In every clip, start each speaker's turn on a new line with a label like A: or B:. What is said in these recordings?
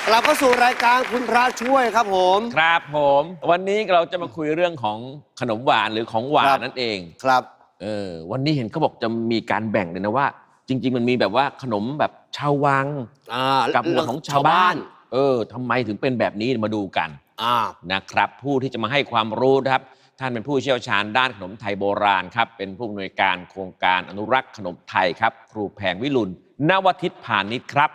A: กลับเข้าสู่รายการคุณพระช่วยครับผม
B: ครับผมวันนี้เราจะมาคุยเรื่องของขนมหวานหรือของหวานนั่นเอง
A: ครับ
B: วันนี้เห็นเขาบอกจะมีการแบ่งเลยนะว่าจริงๆมันมีแบบว่าขนมแบบชาววังกับของชาวบ้านทำไมถึงเป็นแบบนี้มาดูกันนะครับผู้ที่จะมาให้ความรู้นะครับท่านเป็นผู้เชี่ยวชาญด้านขนมไทยโบราณครับเป็นผู้อำนวยการโครงการอนุรักษ์ขนมไทยครับครูแพงวิรุฬนวทิตพานิชครับ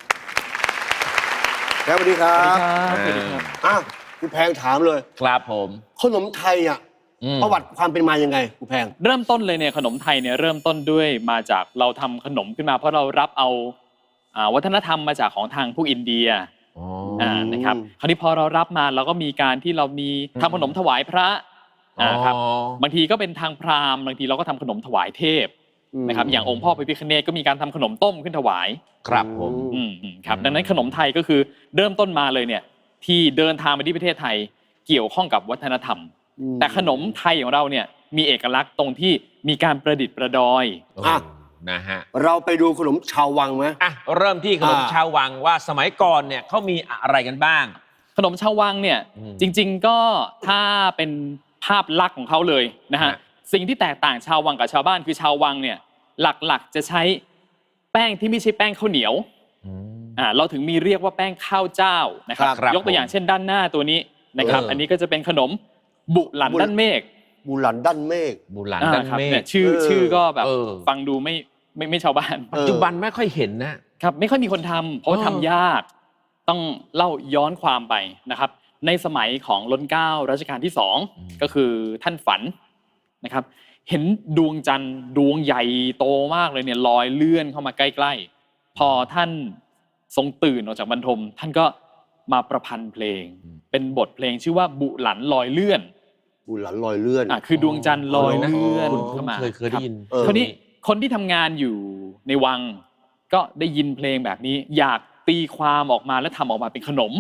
A: สวัสดีครับ
C: สวัสดีครับ
A: คุณแพงถามเลย
B: ครับผม
A: ขนมไทยประวัติความเป็นมายังไงคุณแพง
C: เริ่มต้นเลยเนี่ยขนมไทยเนี่ยเริ่มต้นด้วยมาจากเราทำขนมขึ้นมาเพราะเรารับเอาวัฒนธรรมมาจากของทางพวกอินเดียนะครับคราวนี้พอเรารับมาเราก็มีการที่เรามีทำขนมถวายพระครับบางทีก็เป็นทางพราหมณ์บางทีเราก็ทำขนมถวายเทพนะครับอย่างองค์พ่อพระพิฆเนศก็มีการทำขนมต้มขึ้นถวาย
B: ครับผม
C: ครับดังนั้นขนมไทยก็คือเริ่มต้นมาเลยเนี่ยที่เดินทางมาที่ประเทศไทยเกี่ยวข้องกับวัฒนธรรมแต่ขนมไทยของเราเนี่ยมีเอกลักษณ์ตรงที่มีการประดิษฐ์ประดอย
B: นะฮะ
A: เราไปดูขนมชาววังไหม
B: เริ่มที่ขนมชาววังว่าสมัยก่อนเนี่ยเขามีอะไรกันบ้าง
C: ขนมชาววังเนี่ยจริงๆก็ถ้าเป็นภาพลักษณ์ของเขาเลยนะฮะสิ่งที่แตกต่างชาววังกับชาวบ้านคือชาววังเนี่ยหลักๆจะใช้แป้งที่ไม่ใช่แป้งข้าวเหนียวเราถึงมีเรียกว่าแป้งข้าวเจ้านะครับยกตัวอย่างเช่นด้านหน้าตัวนี้นะครับอันนี้ก็จะเป็นขนมบุหลันด้านเมฆ
A: บุหลันด้านเมฆ
B: บุหลันด้านเมฆ
C: ชื่อก็แบบฟังดูไม่ชาวบ้าน
B: ปัจจุบันไม่ค่อยเห็น
C: นะครับไม่ค่อยมีคนทำเพราะทำยากต้องเล่าย้อนความไปนะครับในสมัยของรัชกาลรัชกาลที่2ก็คือท่านฝันนะครับเห็นดวงจันทร์ดวงใหญ่โตมากเลยเนี่ยลอยเลื่อนเข้ามาใกล้ๆพอท่านทรงตื่นออกจากบรรทมท่านก็มาประพันธ์เพลงเป็นบทเพลงชื่อว่าบุหลันลอยเลื่อน
A: บุหลันลอยเลื่อน
C: คือดวงจันทร์ลอยเลื่อน
B: เข้ามาเคยได้ยิน
C: คราวนี้คนที่ทำงานอยู่ในวังก็ได้ยินเพลงแบบนี้อยากตีความออกมาและทำออกมาเป็นขนม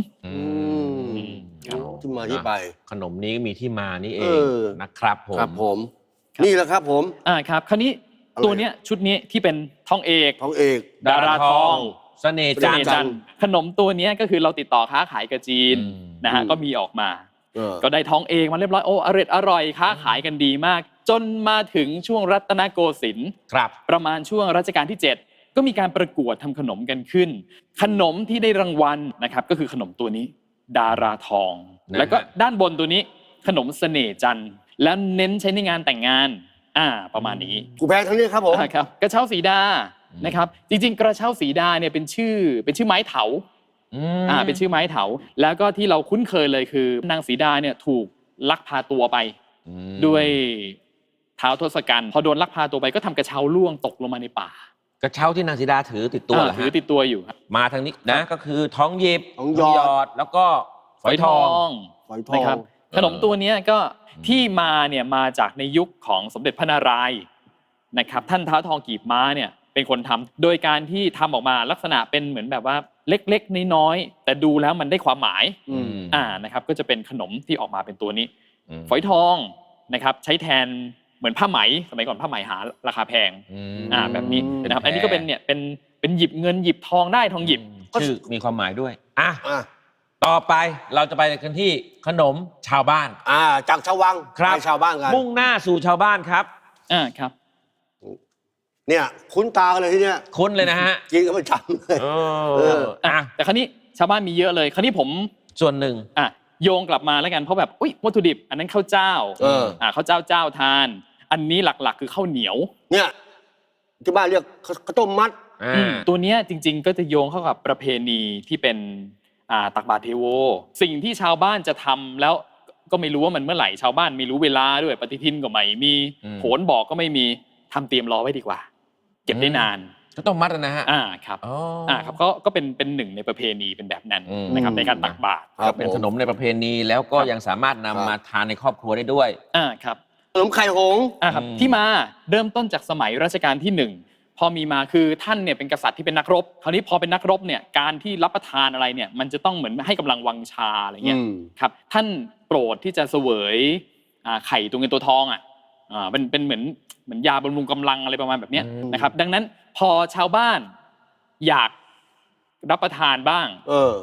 A: ที่มาที่ไป
B: ขนมนี้มีที่มานี่เองนะครับ
A: ผมนี่แหละครับผม
C: ครับคราวนี้ตัวเนี้ยชุดนี้ที่เป็นทองเอกดาราทอง
B: เสน่ห์จันทร์
C: ขนมตัวนี้ก็คือเราติดต่อค้าขายกับจีนนะฮะก็มีออกมาก็ได้ทองเอกมาเรียบร้อยอร่อยค้าขายกันดีมากจนมาถึงช่วงรัตนโกสินทร์ประมาณช่วงรัชกาลที่7ก็มีการประกวดทำขนมกันขึ้นขนมที่ได้รางวัลนะครับก็คือขนมตัวนี้ดาราทองแล้วก็ด้านบนตัวนี้ขนมเสน่ห์จันทร์แล้วเน้นใช้ในงานแต่งงานประมาณนี้
A: กูแพงทั้งนี้ครับผม
C: ครับกระเช้าสีดานะครับจริงๆกระเช้าสีดาเนี่ยเป็นชื่อไม้เถาเป็นชื่อไม้เถาแล้วก็ที่เราคุ้นเคยเลยคือนางสีดาเนี่ยถูกลักพาตัวไปด้วยท้าวทศกัณฐ์พอโดนลักพาตัวไปก็ทำกระเช้าล่วงตกลงมาในป่าก
B: ระเช้าที่นางสีดาถือติดตัว
C: ถือติดตัวอยู่
B: มาทางนี้นะก็คือทองหยิบทองหยอดแล้วก็ฝอยทอง
C: นะครับขนมตัวนี้ก็ที่มาเนี่ยมาจากในยุคของสมเด็จพระนารายณ์นะครับท่านท้าวทองกีบม้าเนี่ยเป็นคนทำโดยการที่ทำออกมาลักษณะเป็นเหมือนแบบว่าเล็กๆน้อยๆแต่ดูแล้วมันได้ความหมายนะครับก็จะเป็นขนมที่ออกมาเป็นตัวนี้ฝอยทองนะครับใช้แทนเหมือนผ้าไหมสมัยก่อนผ้าไหมหาราคาแพงแบบนี้นะครับอันนี้ก็เป็นเนี่ยเป็นหยิบเงินหยิบทองได้ทองหยิบ
B: ชื่อมีความหมายด้วยต่อไปเราจะไปกันที่ขนมชาวบ้าน
A: จากชาววังไปชาวบ้านกัน
B: มุ่งหน้าสู่ชาวบ้านครับ
C: ครับ
A: เนี่ยคุ้นตากันเลยที่เนี้ย
B: คุ้นเลยนะฮะ
A: กินกันประจำเลย
C: แต่คราวนี้ชาวบ้านมีเยอะเลยคราวนี้ผม
B: ส่วนหนึ่ง
C: โยงกลับมาแล้วกันเพราะแบบวัตถุดิบอันนั้นข้าวเจ้าข้าวเจ้าทานอันนี้หลักๆคือข้าวเหนียว
A: เนี่ยที่บ้านเรียกข้าวต้มมัด
C: ตัวเนี้ยจริงๆก็จะโยงเข้ากับประเพณีที่เป็นตักบาตรเทโวสิ่งที่ชาวบ้านจะทำแล้วก็ไม่รู้ว่ามันเมื่อไหร่ชาวบ้านไม่รู้เวลาด้วยปฏิทินก็ไม่มีโหรบอกก็ไม่มีทำเตรียมรอไว้ดีกว่าเก็บได้นาน
B: ก็ต้องมัดนะฮะ
C: ครับครับก็เป็นหนึ่งในประเพณีเป็นแบบนั้นนะครับในการตักบาตร
B: ก็เป็นขนมในประเพณีแล้วก็ยังสามารถนำมาทานในครอบครัวได้ด้วย
C: ครับ
A: ขนมไข่หงส์
C: ครับที่มาเริ่มต้นจากสมัยรัชกาลที่1พอมีมาคือท่านเนี่ยเป็นกษัตริย์ที่เป็นนักรบคราวนี้พอเป็นนักรบเนี่ยการที่รับประทานอะไรเนี่ยมันจะต้องเหมือนให้กำลังวังชาอะไรเงี้ยครับท่านโปรดที่จะเสวยไข่ตัวเงินตัวทองเป็นเหมือนยาบำรุงกำลังอะไรประมาณแบบนี้นะครับดังนั้นพอชาวบ้านอยากรับประทานบ้าง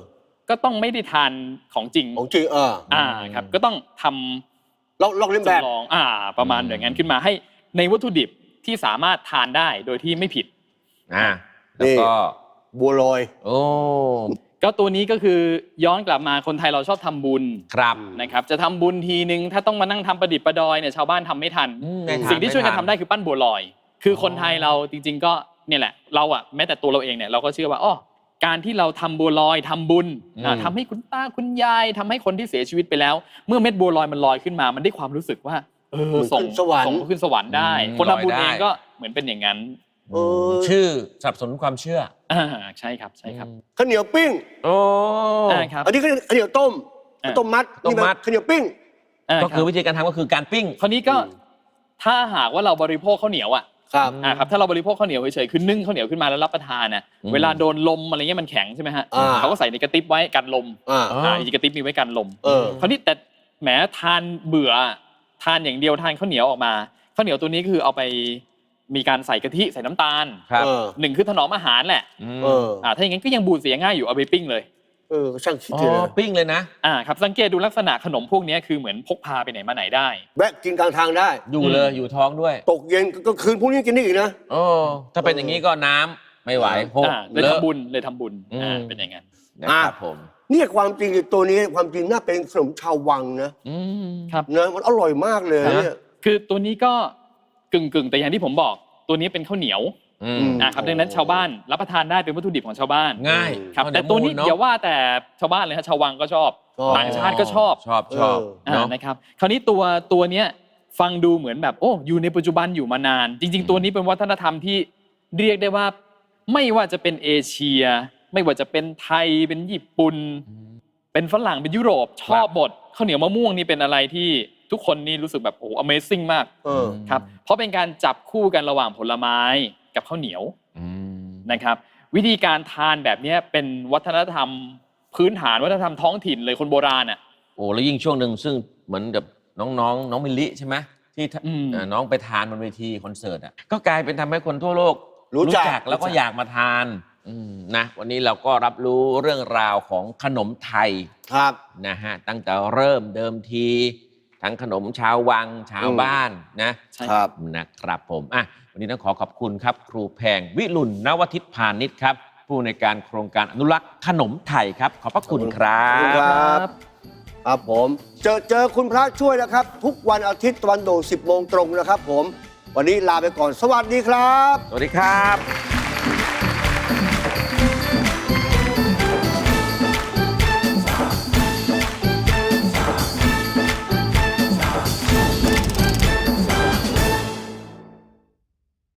C: ก็ต้องไม่ได้ทานของจริง
A: ของจริง
C: ครับก็ต้องทำ
A: ลองเลียนแบบ
C: จำลองประมาณอย่างนั้นขึ้นมาให้ในวัตถุดิบที่สามารถทานได้โดยที่ไม่ผิด
B: แล้วก็
A: บัวลอย
B: โอ้
C: ก็ตัวนี้ก็คือย้อนกลับมาคนไทยเราชอบทำบุญ
B: ครับ
C: นะครับจะทำบุญทีนึงถ้าต้องมานั่งทำประดิษฐ์ประดอยเนี่ยชาวบ้านทำไม่ทันสิ่งที่ช่วยกันทำได้คือปั้นบัวลอยคือคนไทยเราจริงๆก็เนี่ยแหละเราแม้แต่ตัวเราเองเนี่ยเราก็เชื่อว่าการที่เราทำบัวลอยทำบุญทำให้คุณตาคุณยายทำให้คนที่เสียชีวิตไปแล้วเมื่อเม็ดบัวลอยมันลอยขึ้นมามันได้ความรู้สึกว่าส่งขึ้นสวรรค์ได้คนทำบุญเองก็เหมือนเป็นอย่างนั้น
B: ชื่อสนับสนุนความเชื่อ
C: ใช่ครับ
A: ข้าวเหนียวปิ้ง
C: ครับ
A: อันนี้ข้าวเหนียวต้มมัดข้าวเหนียวปิ้ง
B: ก็คือวิธีการทำก็คือการปิ้ง
C: คราวนี้ก็ถ้าหากว่าเราบริโภคข้าวเหนียวครับถ้าเราบริโภคข้าวเหนียวเฉยๆคือนึ่งข้าวเหนียวขึ้นมาแล้วรับประทานนะเวลาโดนลมอะไรเงี้ยมันแข็งใช่ไหมฮะเขาก็ใส่ในกระติบไว้กันลมจริงกระติบมีไว้กันลมคราวนี้แต่แหมทานเบื่อทานอย่างเดียวทานข้าวเหนียวออกมาข้าวเหนียวตัวนี้คือเอาไปมีการใส่กะทิใส่น้ำตาลหนึ่งคือถนอมอาหารแหละถ้าอย่างงั้นก็ยังบูดเสียง่ายอยู่เอาไปปิ้งเลย
A: ช่างคิดเลย
B: ปิ้งเลยนะครับ
C: สังเกตดูลักษณะขนมพวกนี้คือเหมือนพกพาไปไหนมาไหนได้
A: แวะกินกลางทางได้
B: อยู่เลยอยู่ท้องด้วย
A: ตกเย็นก็คืนพวกนี้กินได้อีกนะ
B: ถ้าเป็นอย่างนี้ก็น้ำไม่ไหว
C: เลยทำบุญเป็นอย่างนั้น
B: นะครับผม
A: เนี่ยความจริงตัวนี้ความจริงน่าเป็นขนมชาววังนะครับนะมันอร่อยมากเลยเนี่ย
C: คือตัวนี้ก็กึ่งแต่อย่างที่ผมบอกตัวนี้เป็นข้าวเหนียวครับดังนั้นชาวบ้านรับประทานได้เป็นวัตถุดิบของชาวบ้าน
B: ง่าย
C: ครับแต่ตัวนี้อย่าว่าแต่ชาวบ้านเลยฮะชาววังก็ชอบต่างชาติก็ชอบนะครับคราวนี้ตัวเนี้ยฟังดูเหมือนแบบอยู่ในปัจจุบันอยู่มานานจริงๆตัวนี้เป็นวัฒนธรรมที่เรียกได้ว่าไม่ว่าจะเป็นเอเชียไม่ว่าจะเป็นไทยเป็นญี่ปุ่นเป็นฝรั่งเป็นยุโรปชอบหมดข้าวเหนียวมะม่วงนี่เป็นอะไรที่ทุกคนนี่รู้สึกแบบAmazing มากครับเพราะเป็นการจับคู่กันระหว่างผลไม้กับข้าวเหนียวนะครับวิธีการทานแบบนี้เป็นวัฒนธรรมพื้นฐานวัฒนธรรมท้องถิ่นเลยคนโบราณ
B: แล้วยิ่งช่วงหนึ่งซึ่งเหมือนกับน้องมิลลิใช่ไหมที่น้องไปทานบนเวทีคอนเสิร์ตก็กลายเป็นทำให้คนทั่วโลกรู้จักแล้วก็อยากมาทานนะวันนี้เราก็รับรู้เรื่องราวของขนมไทย
A: ครับ
B: นะฮะตั้งแต่เริ่มเดิมทีทั้งขนมชาววังชาวบ้าน
A: นะครับ
B: ผมวันนี้ต้องขอขอบคุณครับครูแพงวิรุณ นวทิตพานิชครับผู้ในการโครงการอนุรักษ์ขนมไทยครับขอบพระคุณครับ
A: ครับผมเจอคุณพระช่วยนะครับทุกวันอาทิตย์ตะวันโด่ง 10 โมงตรงนะครับผมวันนี้ลาไปก่อนสวัสดีครับ
B: สวัสดีครับ